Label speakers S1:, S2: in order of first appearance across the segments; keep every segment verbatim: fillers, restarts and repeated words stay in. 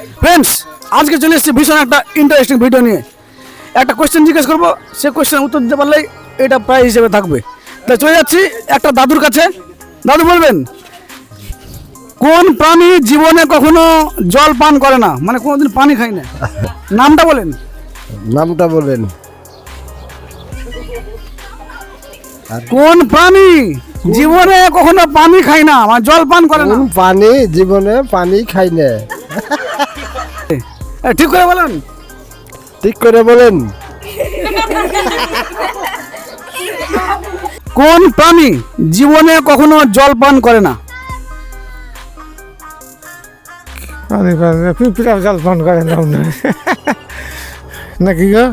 S1: Friends, আজকে চলে এসেছি ভীষণ একটা ইন্টারেস্টিং ভিডিও নিয়ে। একটা কোয়েশ্চেন জিজ্ঞেস করবো, সে কোয়েশ্চেন উত্তর দিতে পারলেই এটা প্রাইজ হিসেবে থাকবে। তাই চলে যাচ্ছি একটা দাদুর কাছে। দাদু বলবেন, কোন প্রাণী জীবনে কখনো জল পান করে না, মানে কোনোদিন পানি খায় না? নামটা বলেন।
S2: নামটা বলেন।
S1: কোন প্রাণী জীবনে কখনো পানি খায় না, মানে জল পান করে না?
S2: কোন পানি জীবনে পানি খাই না?
S1: এ, ঠিক করে বলেন।
S2: ঠিক করে বলেন।
S1: কোন প্রাণী জীবনে কখনো জল পান করে না?
S3: পিঁপড়া জল পান করে না নাকি গো?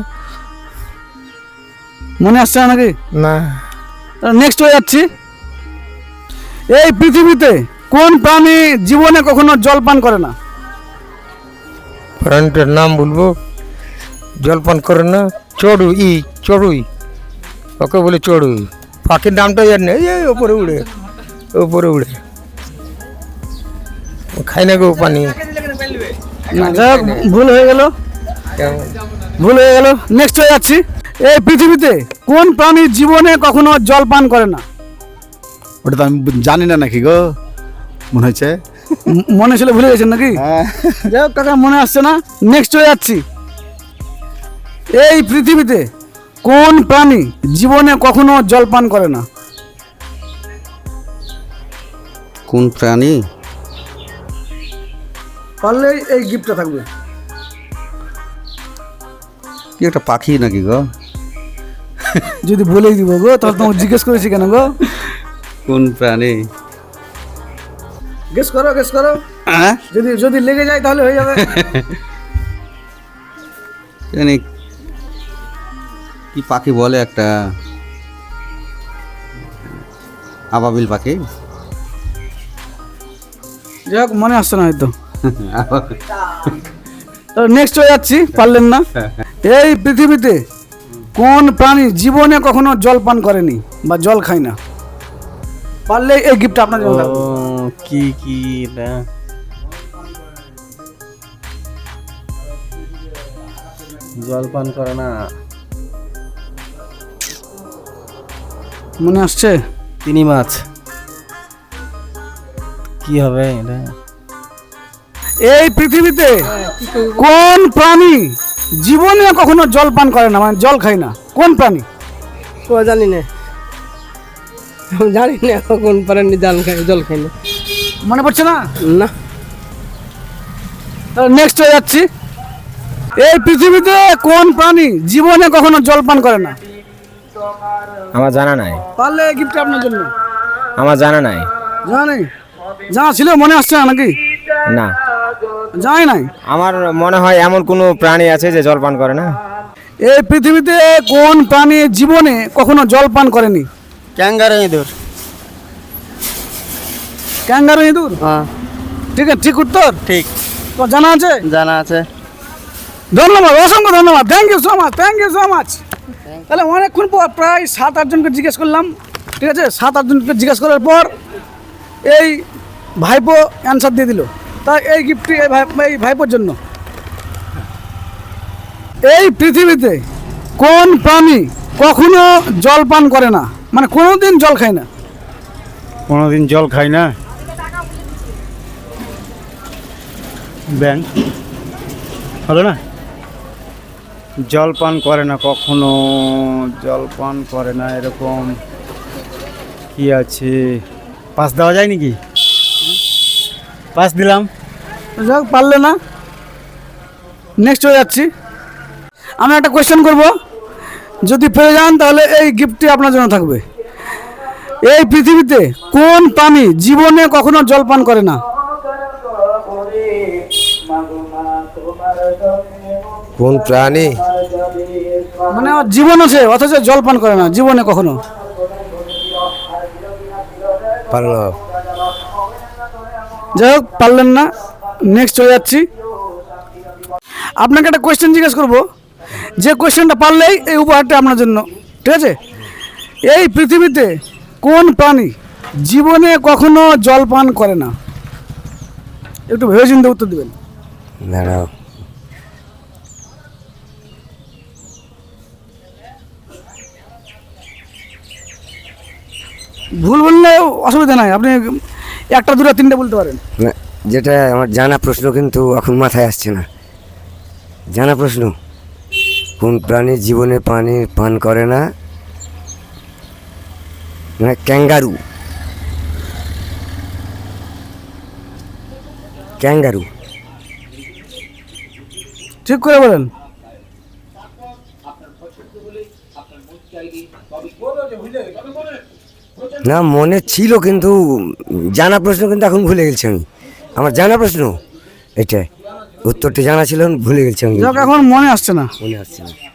S1: মনে আসছে না নাকি?
S3: না।
S1: নেক্সট হয়ে যাচ্ছি। এই পৃথিবীতে কোন প্রাণী জীবনে কখনো জল পান করে না?
S3: প্রাণীটার নাম বলবো, জল পান করে না। চড়ুই, চড়ুই, ওকে বলে চড়ুই। পাখির নামটা জানি না, এই ওপরে উড়ে, ওপরে উড়ে খাই না গো পানি।
S1: না, যাই হোক, ভুল হয়ে গেল,
S3: কেমন?
S1: ভুল হয়ে গেল। নেক্সট হয়ে যাচ্ছি। এই পৃথিবীতে কোন প্রাণী জীবনে কখনো জল পান করে না?
S4: ওটা তো আমি জানি না নাকি গো, মনে হচ্ছে।
S1: ম- মনে ছিল, ভুলে গেছেন নাকি? যাই হোক কাকা, মনে আসছে না। নেক্সট হয়ে যাচ্ছি। এই পৃথিবীতে কোন প্রাণী জীবনে কখনো জল পান করে না?
S4: কোন প্রাণী?
S1: পারলে এই গিফটটা থাকবে।
S4: কি একটা পাখি নাকি গো?
S1: যদি বলেই দিব গো, তাহলে তোমাকে জিজ্ঞেস করেছি কেন গো?
S4: কোন প্রাণী?
S1: গেস করো, গেস করো।
S4: হ্যাঁ,
S1: যদি যদি লেগে যায় তাহলে হয়ে যাবে।
S4: জানি কি পাখি বলে, একটা আবাবিল পাখি।
S1: যাই হোক, মনে আসছে না হয়তো। নেক্সট হয়ে যাচ্ছি, পারলেন না। এই পৃথিবীতে কোন প্রাণী জীবনে কখনো জল পান করেনি বা জল খায় না? পারলে এই গিফট আপনার জন্য থাকবে।
S5: কি কি এটা জল পান করে না?
S1: মনে আসছে?
S5: তিনি মাছ। কি হবে এটা?
S1: এই পৃথিবীতে কোন প্রাণী জীবনে কখনো জল পান করে না, মানে জল খায় না? কোন প্রাণী?
S6: ও জানি না, জানি না কোন প্রাণী জল খাই জল খাই না।
S1: মনে পড়ছে না?
S6: না,
S1: নেক্সট হয়ে যাচ্ছি। এই পৃথিবীতে কোন প্রাণী জীবনে কখনো জল পান করে না?
S3: আমার জানা নাই,
S1: পারলে এই গিফট আপনার জন্য।
S3: আমার জানা নাই।
S1: জানা নেই? জানা ছিল, মনে আসছে না নাকি?
S3: না,
S1: জানাই নাই।
S3: আমার মনে হয় এমন কোনো প্রাণী আছে যে জল পান করে না।
S1: এই পৃথিবীতে কোন প্রাণী জীবনে কখনো জল পান করেনি?
S5: ক্যাঙ্গারু ইঁদুর।
S1: ক্যাঙ্গারু ইঁদুর?
S5: হ্যাঁ,
S1: ঠিক আছে, ঠিক উত্তর।
S5: ঠিক,
S1: তো জানা আছে?
S5: জানা আছে।
S1: ধন্যবাদ, অসংখ্য ধন্যবাদ। Thank you so much, thank you so much. তাহলে অনেকক্ষণ পর প্রায় সাত আটজনকে জিজ্ঞেস করলাম, ঠিক আছে? সাত আটজনকে জিজ্ঞেস করার পর এই ভাইপো অ্যান্সার দিয়ে দিল। তাই এই গিফটটি এই ভাই এই ভাইপোর জন্য। এই পৃথিবীতে কোন প্রাণী কখনো জল পান করে না, মানে কোনোদিন জল খায় না?
S7: কোনোদিন জল খাই না? ব্যাং হলো না? জল পান করে না, কখনো জল পান করে না, এরকম কি আছে? পাস দেওয়া যায় নাকি? পাস দিলাম।
S1: যাক, পারলে না। নেক্সট হয়ে যাচ্ছি। আমি একটা কোয়েশ্চেন করব, যদি পেরে যান তাহলে এই গিফটটি আপনার জন্য থাকবে। এই পৃথিবীতে কোন প্রাণী জীবনে কখনো জল পান করে না?
S2: কোন প্রাণী?
S1: মানে আমার জীবন আছে অথচ জল পান করে না জীবনে কখনো।
S2: পারলাম।
S1: যাই হোক, পারলেন না। নেক্সট হয়ে যাচ্ছি। আপনাকে একটা কোয়েশ্চেন জিজ্ঞেস করব, যে কোয়েশ্চেনটা পারলেই এই উপহারটা আপনার জন্য, ঠিক আছে? এই পৃথিবীতে কোন প্রাণী জীবনে কখনো জল পান করে না? একটু ভেবে চিন্তে উত্তর দিবেন।
S2: দাঁড়াও
S1: ভুল বললে অসুবিধা নাই, আপনি একটা দুটো তিনটে বলতে পারেন।
S2: না, যেটা আমার জানা প্রশ্ন কিন্তু এখন মাথায় আসছে না। জানা প্রশ্ন, কোন প্রাণী জীবনে পানি পান করে না? মানে ক্যাঙ্গারু। ক্যাঙ্গারু।
S1: ঠিক করে বলেন।
S2: না, মনে ছিল কিন্তু জানা প্রশ্ন কিন্তু এখন ভুলে গেছি আমি। আমার জানা প্রশ্ন এটাই, উত্তরটি জানা ছিল, ভুলে গেছি আমি।
S1: যাক, এখন মনে আসছে না।
S2: মনে আসছে না।